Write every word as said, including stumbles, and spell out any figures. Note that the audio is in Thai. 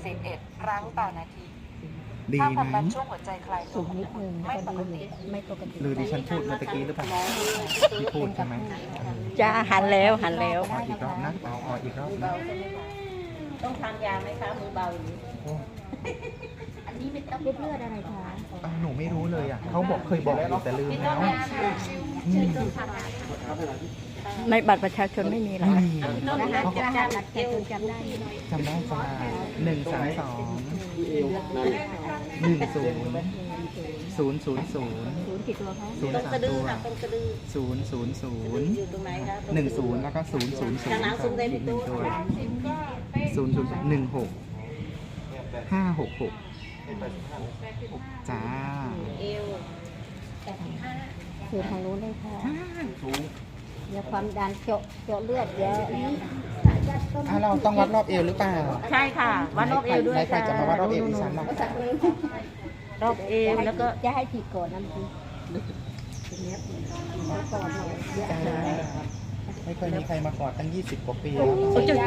สิบเอ็ดครั้งต่อนาทีดีค่าความไหมดันช่วงหัวใจคลายสูตัวงนิดนึงไม่ก็ปดีกติไม่ปกติหรือดิฉันพูดเมื่อตะกี้หรือเปล่าที่พูดใช่ไหมจะหันแล้วหันแล้วขออีกรอบนะเอาเอาอีกรอบนะต้องทานยาไหมคะมือเบาอย่างนี้โอ้อันนี้เป็นต้องเลือดอะไรคะอ่ะหนูไม่รู้เลยอ่ะเขาบอกเคยบอกอยู่แต่ลืมแล้วอืมในบัตรประชาชนไม่มีหรอไม่คะมีนะคะเขาจะจำบัตรประชาชนจำได้จำได้จ้าหนึ่งสามสองหนึ่งศูนย์ศูนย์ศูนย์ศูนย์ศูนย์กี่ตัวคะศูนย์สามตัวศูนย์ศูนย์ศูนย์หนึ่งศูนย์แล้วก็ศูนย์ศูนย์ศูนย์อีกหนึ่งตัวศูนย์ศูนย์หนึ่งหกห้าหกหกจ้าคือทางนู้นเลยค่ะเดี๋ยวความดันเจาะเจาะเลือดเดี๋ยวนี้อ่ะเราต้องวัดรอบเอวหรือเปล่าใช่ค่ะวัดรอบเอวด้วยใครจะมาวัดรอบเอวดิฉันล่ะรอบเอวแล้วก็จะให้ฉีดก่อนน้ำพีก่อนหน่อยเยอะจ้าเลยไม่เคยมีใครมากอดตั้งยี่สิบกว่าปีแล้ว